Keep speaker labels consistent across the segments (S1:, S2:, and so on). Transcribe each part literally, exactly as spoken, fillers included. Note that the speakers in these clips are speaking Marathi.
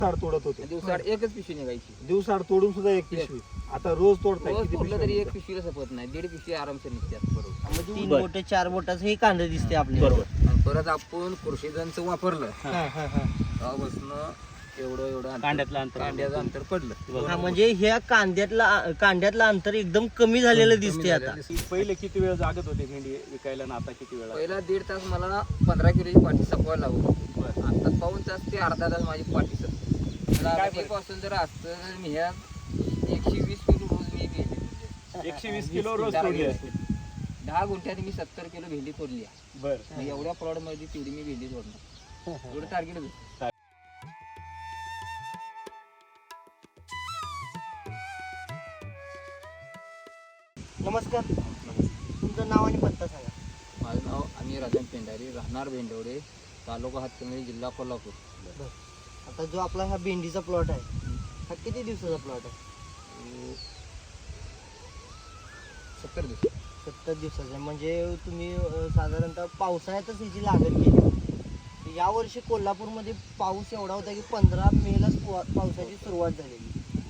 S1: दिवसाआड तोडत होते.
S2: दिवसाआड एकच पिशवी निघायची.
S1: दिवसाआड तोडून सुद्धा एक पिशवी. आता रोज तोडताय
S2: रोज
S1: किती
S2: तोडलं
S1: पिशव्या
S2: तरी एक
S1: निघतात?
S2: पिशवीला सपत नाही, दीड पिशवी आरामशीर निघतात. बरोबर.
S3: म्हणजे तीन बोट चार बोटाचं हे कांदा दिसते आपल्याला.
S2: बरोबर. आणि परत आपण कृषीजनचं वापरलं
S3: हा, हा, हा.
S2: तेव्हापासून एवढं एवढं अंतर-
S4: कांड्यातलं अंतर.
S2: कांड्याचं अंतर पडलं.
S3: हा, म्हणजे ह्या कांद्यातला कांद्यातलं अंतर एकदम कमी झालेलं
S2: कमी
S3: दिसते
S2: झालेलं
S3: आता.
S2: दिसतं.
S4: पहिले किती वेळ जागत होते भेंडी विकायला आणि आता किती वेळ?
S2: पहिला दीड तास मला पंधरा किलोची पाठी सपवायला लागत.
S4: बरं.
S2: आता पाऊन तास ते अर्धा तास माझी पाठी सपते.
S4: काय
S2: मला पासून जर असतं तर मी ह्या एकशे वीस किलो रोज मी भेंडी
S4: एकशे वीस किलो रोज
S2: दहा
S4: तोडली
S2: किलो.
S4: असते.
S2: दहा गुंठ्यात मी सत्तर किलो भेंडी तोडली आहे.
S4: बरं.
S2: मग एवढ्या प्लॉट मध्ये तेवढी मी भेंडी तोडणार. एवढं टार्गेट होतं.
S3: नमस्कार, तुमचं नाव आणि पत्ता सांगा.
S2: माझं नाव अनिल राजन पेंढारी, राहणार भेंडवडे, तालुका हातकणंगले, जिल्हा कोल्हापूर.
S3: आता जो आपला हा भेंडीचा प्लॉट आहे, हा किती दिवसाचा प्लॉट आहे?
S2: अं, सत्तर दिवस.
S3: सत्तर दिवसाचा आहे. म्हणजे तुम्ही अं, साधारणतः पावसाळ्यातच ह्याची लागण केली. यावर्षी कोल्हापूरमध्ये पाऊस एवढा होता की पंधरा मेलाच पा- पावसाची सुरुवात झालेली.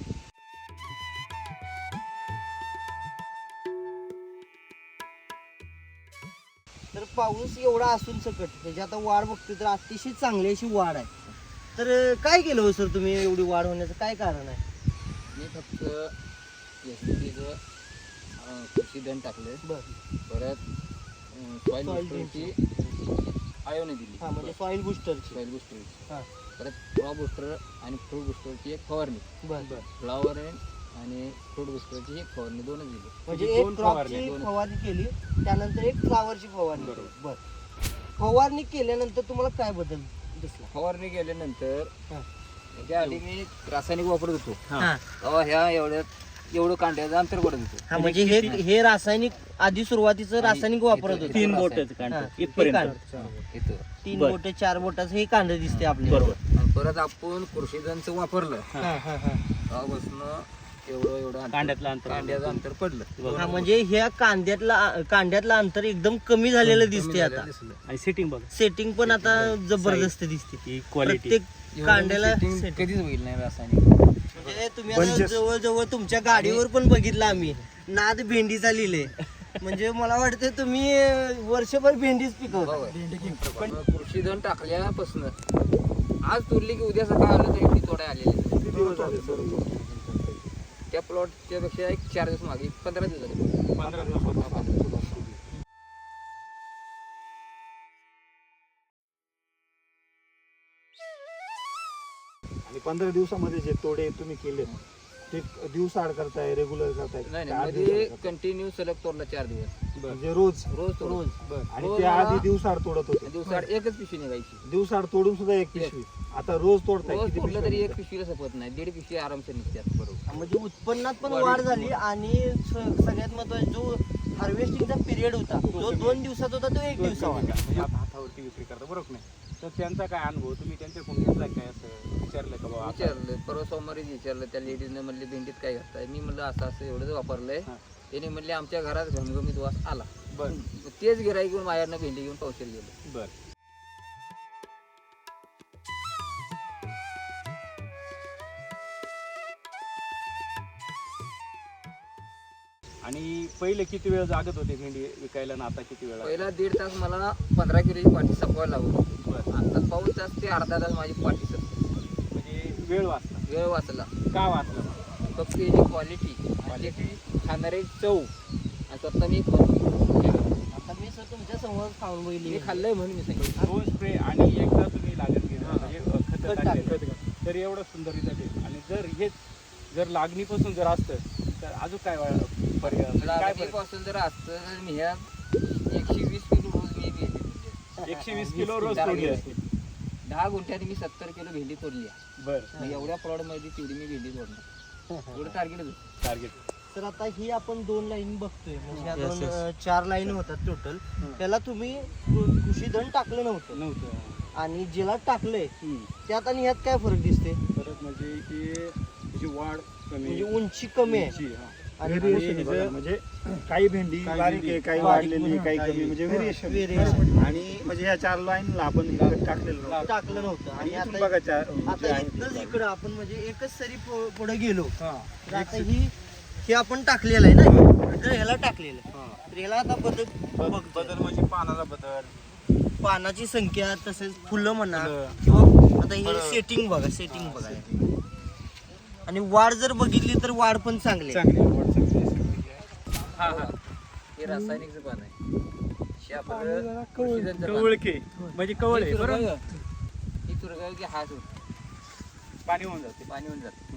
S3: तर पाऊस एवढा असून सकट त्याची आता वाढ बघतोय तर अतिशय चांगली अशी वाढ आहे. तर अं, काय केलं हो सर तुम्ही एवढी वाढ होण्याचं काय कारण आहे?
S2: मी फक्त एस डी पीचं कृषी धन टाकलं.
S3: बरं.
S2: परत सॉईल
S3: Soil
S2: बुस्टरची आयोने दिली.
S3: हा, म्हणजे सॉइल बुस्टरची.
S2: सॉईल बुस्टरची.
S3: हा.
S2: परत फ्लॉ बुस्टर आणि फ्रूट बुस्टरची एक फवारणी.
S3: बरं बरं.
S2: फ्लॉवर आणि फ्रूट बुस्टरची एक फवारणी दोनच दिली.
S3: म्हणजे
S4: म्हणजे
S3: एक
S4: दोन
S3: क्रॉपची
S4: फवारणी,
S2: दोन.
S3: फवारणी केली, त्यानंतर एक फ्लावरची फवारणी केली.
S4: बरोबर.
S3: बरं. फवारणी केल्यानंतर तुम्हाला काय बदल दिसला?
S2: फवारणी केल्यानंतर
S3: हा.
S2: त्याच्या आधी मी रासायनिक वापरत होतो.
S3: हा.
S2: तेव्हा ह्या एवढ्यात एवढं कांड्याचं अंतर पडत होतं.
S3: हा, म्हणजे हे हे रासायनिक आधी सुरुवातीचं रासायनिक वापरत होते.
S4: तीन बोटाचं
S3: हा,
S4: कांड
S3: हे
S4: इथपर्यंत.
S3: कांड.
S2: इथं.
S3: तीन
S4: बरं.
S3: बोट चार बोटाचं हे कांदा दिसते आपल्याला.
S4: बरोबर.
S2: आणि परत आपण कृषीजनचं वापरलं
S3: हा, हा, हा.
S2: तेव्हापासून एवढं एवढं अंतर-
S4: कांड्यातलं अंतर.
S2: कांड्याचं अंतर पडलं.
S3: हा, म्हणजे ह्या कांद्यातला कांद्यातलं अंतर एकदम कमी झालेलं
S2: कमी
S3: दिसते
S2: झालेलं
S3: आता.
S2: दिसलं.
S4: आणि सिटिंग बघा
S3: सेटिंग पण आता जबरदस्त दिसते.
S4: ही क्वालिटी.
S3: प्रत्येक
S2: एवढं
S3: कांड्याला
S2: setting
S3: setting.
S2: कधीच होईल नाही रासायनिक.
S3: म्हणजे तुम्ही आता
S1: Bunches.
S3: जवळ जवळ तुमच्या गाडीवर पण बघितलं आम्ही, नाद भेंडीचा लिहिले. म्हणजे मला वाटतं तुम्ही अं, वर्षभर भेंडीच पिकवता.
S2: पण कृषीधन टाकल्यापासून आज तोडली की उद्या सकाळ आलं तरी ती तोडाय आलेली.
S1: किती दिवस झाले सर तो?
S2: त्या प्लॉटच्या पेक्षा एक चार दिवस मागे पंधरा दिवस झाले.
S4: पंधरा दिवस होता.
S1: आणि पंधरा दिवसामध्ये जे तोडे तुम्ही केले ते दिवसाआड करताय, रेग्युलर करताय?
S2: नाही
S1: का आठ
S2: नाही मध्ये
S1: दिवसाआड करताय?
S2: कंटिन्यू सलग तोडला चार दिवस.
S1: म्हणजे रोज
S2: रोज तोड.
S3: रोज.
S1: आणि
S2: रोज
S1: ते
S2: मला-
S1: आधी दिवसाआड तोडत होते.
S2: दिवसाआड एकच पिशवी निघायची.
S1: दिवसाआड तोडून सुद्धा एक पिशवी. आता रोज तोडताय
S2: रोज
S1: किती
S2: तोडलं
S1: पिशव्या
S2: तरी एक
S1: निघतात?
S2: पिशवीला सपत नाही, दीड पिशवी आरामशीर निघतात. बरोबर.
S3: म्हणजे उत्पन्नात पण
S2: वाढ-
S3: वाढ झाली आणि स- सगळ्यात महत्वाचा जो हार्वेस्टिंगचा पिरियड होता जो दोन दिवसात होता तो एक दिवसावर.
S4: म्हणजे आता हातावरती विक्री करता बरोबर नाही. तर त्यांचा काय अनुभव तुम्ही त्यांच्याकडून घेतला काय असं विचारलं का बाबा आता?
S2: विचारलं परवा सोमवारीच विचारलं त्या लेडीजने, म्हणले भेंडीत काय घालताय? मी म्हणलं असं असं एवढंच वापरलंय.
S4: हा.
S2: त्याने म्हणले आमच्या घरात घमघमीत वास आला.
S4: बरं.
S2: मग तेच गिराईक घेऊन माझ्यानं भेंडी घेऊन पावशेर गेलो.
S4: बर. आणि पहिले किती वेळ जागत होते भेंडी विकायला आणि आता किती वेळ?
S2: पहिला दीड तास मला पंधरा किलोची पाठी सपवायला लागत.
S4: बरं.
S2: आता पाऊन तास ते अर्धा तास माझी पाठी सपते.
S4: म्हणजे वेळ वाचला.
S2: वेळ वाचला.
S4: का वाचला?
S2: फक्त याची क्वालिटी क्वालिटी खाणारी चव आणि स्वतः मी खाऊन-
S3: आता मी सर तुमच्या समोर खाऊन बघितली.
S2: मी खाल्लंय म्हणून मी सांगितलं.
S4: दोन स्प्रे आणि एकदा तुम्ही लागण केलं
S2: हा.
S4: म्हणजे खत
S3: खत
S4: टाकलेलं.
S3: टाकलं.
S4: तर एवढं सुंदर रिझल्ट येईल. आणि जर हेच जर लागणीपासून जर असतं तर अजून काय वा- पर्याय म्हणजे काय पर्याय?
S2: पासून जर असतं तर मी ह्या एकशे वीस किलो रोज मी भेंडी
S4: एकशे वीस किलो रोज तोडली असते.
S2: दहा गुंठ्यात मी सत्तर किलो भेंडी तोडली आहे.
S4: बरं.
S2: मग एवढ्या प्लॉट मध्ये तेवढी मी भेंडी तोडणार. एवढं टार्गेट होतं.
S4: टार्गेट.
S3: तर आता ही आपण दोन लाईन बघतोय म्हणजे ह्या
S4: Yes,
S3: दोन
S4: yes.
S3: अं, चार लाईन होतात टोटल.
S4: हं.
S3: त्याला तुम्ही कृ- कृषी धन टाकलं नव्हतं
S4: नव्हतं.
S3: आणि ज्याला टाकलंय
S4: हम्म.
S3: त्यात आणि ह्यात काय फरक दिसते?
S4: परत म्हणजे की त्याची वाढ कमी.
S3: म्हणजे उंची कमी आहे
S4: उंची, हा.
S3: आणि
S1: Variation आहे
S4: हे
S1: बघा,
S4: जर-
S1: म्हणजे काही भेंडी
S4: काही
S1: बारीक
S4: भेंडी
S1: आहे, काही
S3: बारीक
S1: वाढलेली आहे, काही
S4: काही-
S1: कमी, म्हणजे व्हेरिएशन
S3: Variation.
S1: आणि म्हणजे ह्या चार लाईनला आपण इकडे टाकलेलं नव्हतं.
S3: टाकलं नव्हतं
S1: आणि
S3: आणि
S1: इथून
S3: आता
S1: बघा चार जे
S3: आता
S1: आहे ते
S3: इथनंच
S1: चार.
S3: इकडं आपण म्हणजे एकच सरी पु- पुढे गेलो
S1: हा.
S3: तर आता ही हे आपण टाकलेलं आहे ना तर ह्याला टाकलेलं आहे.
S1: हा.
S3: तर ह्याला आता बदल
S4: बदल
S3: बघतोय.
S4: बदल म्हणजे पानाचा बदल,
S3: पानाची संख्या तसेच फुलं म्हणा
S4: फुलं.
S3: किंवा आता हे
S4: फळं.
S3: सेटिंग बघा सेटिंग बघा आणि वाढ जर बघितली तर वाढ पण चांगली आहे.
S4: चांगली आहे, वाढ चांगली आहे, सगळी आहे. हा हा
S2: हे रासायनिकचं पान आहे हे आपलं कृषीजनचं पान.
S4: कवळके म्हणजे कवळ आहे
S2: ही
S4: बरोबर,
S2: चुरगाळ- ही चुरगाळ की हात होत
S4: पाणी होऊन जाते.
S2: पाणी होऊन जातं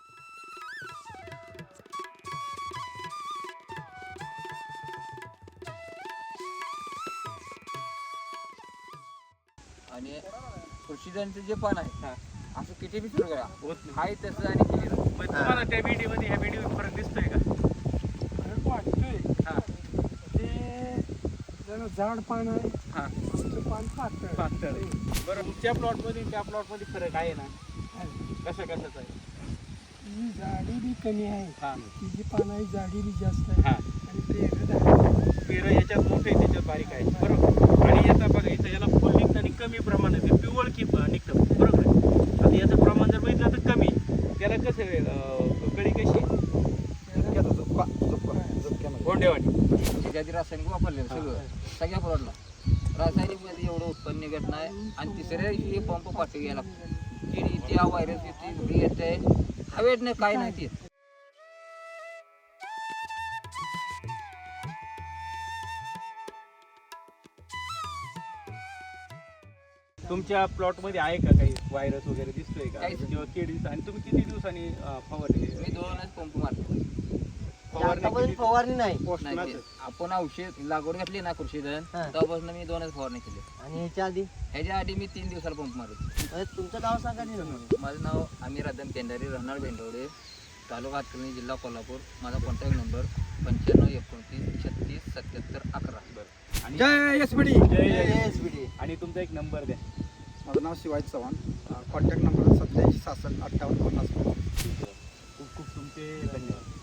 S2: आणि कृषीजनचं जे पान आहे
S4: हा.
S2: असं किती बी चुरगळा
S4: होत नाही.
S2: हाय तसं आणि केलेलं
S4: मग तुम्हाला त्या व्हिडिओ मध्ये ह्या व्हिडिओ फरक दिसतोय का?
S5: फरक वाटतोय
S4: हा
S5: ते जरा जाड पान आहे
S4: हा
S5: आमचं पान पातळ
S4: पातळ आहे. बरं तुमच्या प्लॉट मध्ये त्या प्लॉट मध्ये फरक आहे ना?
S5: आहे.
S4: कशा कशाचा आहे?
S5: ही जाडी बी कमी आहे
S4: हा
S5: तिची पान आहे जाडी बी जास्त आहे
S4: हा
S5: आणि पेरड आहे
S4: पेरं याच्यात मोठे आहे, त्याच्यात बारीक आहे बरोबर. आणि याचा बघा इथं याला फुल निघतं आणि कमी प्रमाणात आहे. पिवळ की निघतं बरोबर आहे. आता याचं प्रमाण जर बघितलं तर कमी. त्याला कसं आहे, अं, कळी कशी
S1: झुपक्याचा झुपका, झुपका, झुपक्यामध्ये.
S4: गोंडेवाडी.
S2: त्याच्या आधी रासायनिक वापरलेलं सगळं सगळ्या प्लॉटला रासायनिक मध्ये एवढं उत्पन्न निघत नाही आणि तिसऱ्या दिवशी हे पंप पाठवू घ्यायला लागतो कीड येते हा व्हायरस येते घरी येते हवेत नाही काय नाही ते
S4: तुमच्या प्लॉट मध्ये आहे का काही व्हायरस वगैरे दिसतोय का
S2: काहीच नाही.
S4: किंवा कीड दिसत आणि तुम्ही किती दिवसांनी अं, फवारणी
S2: मी दोनच पंप मारतो
S4: फवारणी
S3: आतापर्यंत
S4: किती-
S3: फवारणी नाही
S2: नाही
S1: पोस्टनाचं.
S2: ते आपण औषध लागवड घातली ना कृषीधन
S3: हा.
S2: तेव्हापासून मी दोनच फवारणी केली
S3: आणि ह्याच्या आधी
S2: ह्याच्या आधी मी तीन दिवसाला पंप मारतो
S3: म्हणजे तुमचं नाव सांगा नाही ना.
S2: माझं नाव आमिर आदम पेंढारी राहणार बेंडवडे तालुका हातकर्णी जिल्हा कोल्हापूर माझा कॉन्टॅक्ट नंबर पंच्याण्णव एकोणतीस छत्तीस सत्याहत्तर अकरा
S4: आणि
S1: जय एस बी डी.
S4: जय- जय-
S3: ए एस बी डी.
S4: आणि तुमचा एक नंबर द्या.
S1: माझं नाव शिवाजी चव्हाण, कॉन्टॅक्ट नंबर सत्याऐंशी सहासष्ट अठ्ठावन्न पन्नास.
S4: खूप खूप तुमचे धन्यवाद.